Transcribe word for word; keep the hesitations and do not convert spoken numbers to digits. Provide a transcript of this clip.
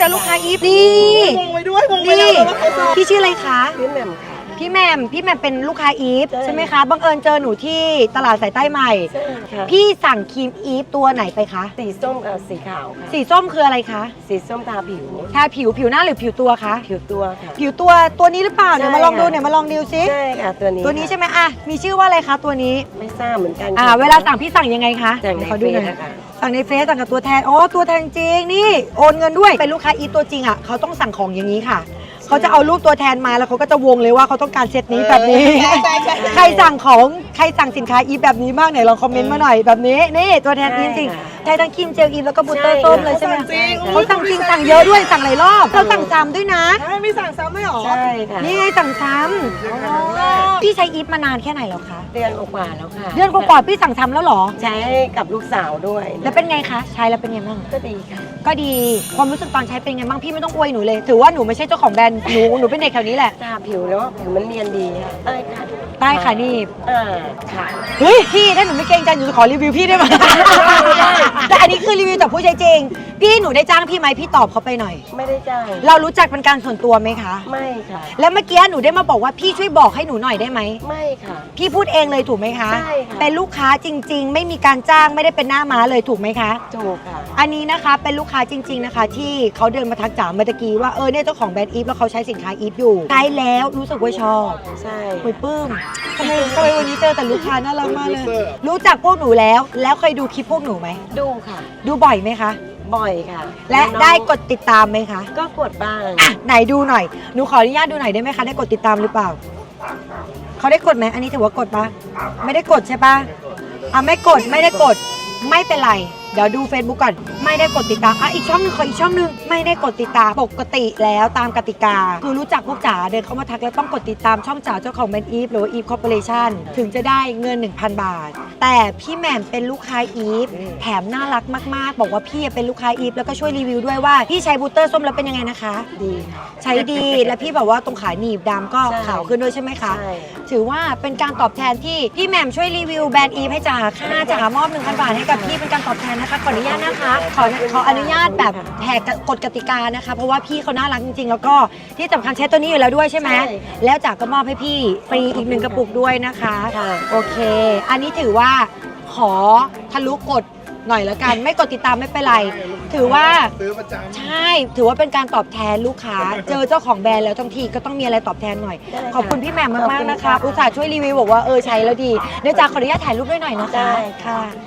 แต่ลูกค้าอีฟนี่งงไปด้วยงงไปแล้วว่าใครซื้อพี่ชื่ออะไรคะพี่แหม่มค่ะพี่แหม่มพี่แหม่มเป็นลูกค้าอีฟใช่ไหมคะบังเอิญเจอหนูที่ตลาดสายใต้ใหม่พี่สั่งครีมอีฟตัวไหนไปคะสีส้มกับสีขาวค่ะสีส้มคืออะไรคะสีส้มทาผิวทาผิวผิวหน้าหรือผิวตัวคะผิวตัวค่ะผิวตัวตัวนี้หรือเปล่าเนี่ยมาลองดูเนี่ยมาลองดูซิใช่ค่ะตัวนี้ตัวนี้ใช่ไหมอ่ะมีชื่อว่าอะไรคะตัวนี้ไม่ทราบเหมือนกันอ่าเวลาสั่งพี่สั่งยังไงคะสั่งในเฟซนะคะสั่งในเฟซสั่งกับตัวแทนอ๋อตัวแทนจริงนี่โอนเงินด้วยเป็นลูกค้าอีฟตัวจริงอ่ะเขาต้องสั่งของอย่างนี้ค่ะเขาจะเอารูปตัวแทนมาแล้วเขาก็จะวงเลยว่าเขาต้องการเซตนี้แบบนี้ใครสั่งของใครสั่งสินค้าอีฟแบบนี้บ้างไหนลองคอมเมนต์มาหน่อยแบบนี้นี่ตัวแทนจริงๆใช้ทั้งครีมเจลอีฟแล้วก็บูตเตอร์ส้มเลยใช่ไหมเขาสั่งจริงสั่งเยอะด้วยสั่งหลายรอบเขาสั่งซ้ำด้วยนะใช่ไม่สั่งซ้ำไม่หรอใช่ค่ะนี่ไงสั่งซ้ำพี่ใช้อีฟมานานแค่ไหนแล้วคะเดือนกว่าแล้วค่ะเดือนกว่าพี่สั่งซ้ำแล้วหรอใช้กับลูกสาวด้วยแล้วเป็นไงคะใช้แล้วเป็นไงบ้างก็ดีค่ะก็ดีความรู้สึกตอนใช้เป็นไงบ้างพี่ไม่ต้องอวยหนูเลยถือว่าหนูไม่ใช่เจ้าของแบรนด์หนูหนูเป็นเด็กแถวนี้แหละทาผิวแล้วผิวมันเนียนดีค่ะใต้ค่ะใต้ค่ะนี่อ่าค่ะเฮ้ยพี่ถ้าหนูไม่เกรงใจหนูจะขอรีวิวพี่ได้ไหมแต่อันนี้คือรีวิวจากผู้ใช้จริงพี่หนูได้จ้างพี่ไหมพี่ตอบเขาไปหน่อยไม่ได้จ้างเรารู้จักเป็นการส่วนตัวไหมคะไม่ค่ะแล้วเมื่อกี้หนูได้มาบอกว่าพี่ช่วยบอกให้หนูหน่อยได้ไหมไม่ค่ะพี่พูดเองเลยถูกไหมคะใช่ค่ะเป็นลูกค้าจริงๆไม่มีการจ้างไม่ได้เป็นหน้าม้าเลยถูกไหมคะถูกค่ะอันนี้นะคะเป็นลูกค้าจริงๆนะคะที่เขาเดินมาทักจ๋าเมื่อกี้ว่าเออเนี่ยเจ้าของแบรนด์อีฟแล้วเขาใช้สินค้าอีฟอยู่ใช้แล้วรู้สึกว่าชอบใช่คุยปื้มทำไมทำไมวันนี้เจอแต่ลูกค้าน่ารักมากเลยรู้จักพวกหนูแล้วแล้วเคยดูคลิปพวกหนูไหมดูค่ะดูบ่อยไหมคะบ่อยค่ะและได้กดติดตามไหมคะก็กดบ้างอ่ะไหนดูหน่อยหนูขออนุญาตดูหน่อยได้ไหมคะได้กดติดตามหรือเปล่าเขาได้กดไหมอันนี้ถือว่ากดปะไม่ได้กดใช่ปะอ่ะไม่กดไม่ได้กดไม่เป็นไรเดี๋ยวดู Facebook ก่อนไม่ได้กดติดตามอ่ะอีกช่องนึงขออีกช่องนึงไม่ได้กดติดตามปกติแล้วตามกติกาคือรู้จักพวกจ๋าเดินเข้ามาทักแล้วต้องกดติดตามช่องจ๋าเจ้าของแบรนด์อีฟหรือว่าอีฟคอร์ปอเรชั่นถึงจะได้เงิน หนึ่งพัน บาทแต่พี่แหม่มเป็นลูกค้าอีฟแถมน่ารักมากๆบอกว่าพี่เป็นลูกค้าอีฟแล้วก็ช่วยรีวิวด้วยว่าพี่ใช้บูตเตอร์ส้มแล้วเป็นยังไงนะคะดีใช้ดีและพี่แบบว่าตรงขาหนีบดำก็ขาวขึ้นด้วยใช่ไหมคะถือว่าเป็นการตอบแทนที่พี่แหม่มช่วยรีวิวแบรนด์อีฟให้จ๋าค่ะจ๋ามอบ หนึ่งพัน บาทให้กับพี่เป็นการตอบแทนนะคะขออนุญาตนะคะขอขออนุญาตแบบแหกกฎกติกานะคะเพราะว่าพี่เขาน่ารักจริงๆแล้วก็ที่สำคัญใช้ตัวนี้อยู่แล้วด้วยใช่ไหมแล้วจ๋าก็มอบให้พี่ฟรีอีกหนึ่งกระปุกด้วยนะคะโอเคอันนี้ถือว่าขอทะลุกฎหน่อยแล้วกันไม่กดติดตามไม่เป็นไรถือว่าใช่ถือว่าเป็นการตอบแทนลูกค้าเจอเจ้าของแบรนด์แล้วทั้งทีก็ต้องมีอะไรตอบแทนหน่อยขอบคุณพี่แหม่มมากๆนะคะอุตส่าห์ช่วยรีวิวบอกว่าเออใช้แล้วดีเดี๋ยวจ๋าขออนุญาตถ่ายรูปด้วยหน่อยนะคะค่ะ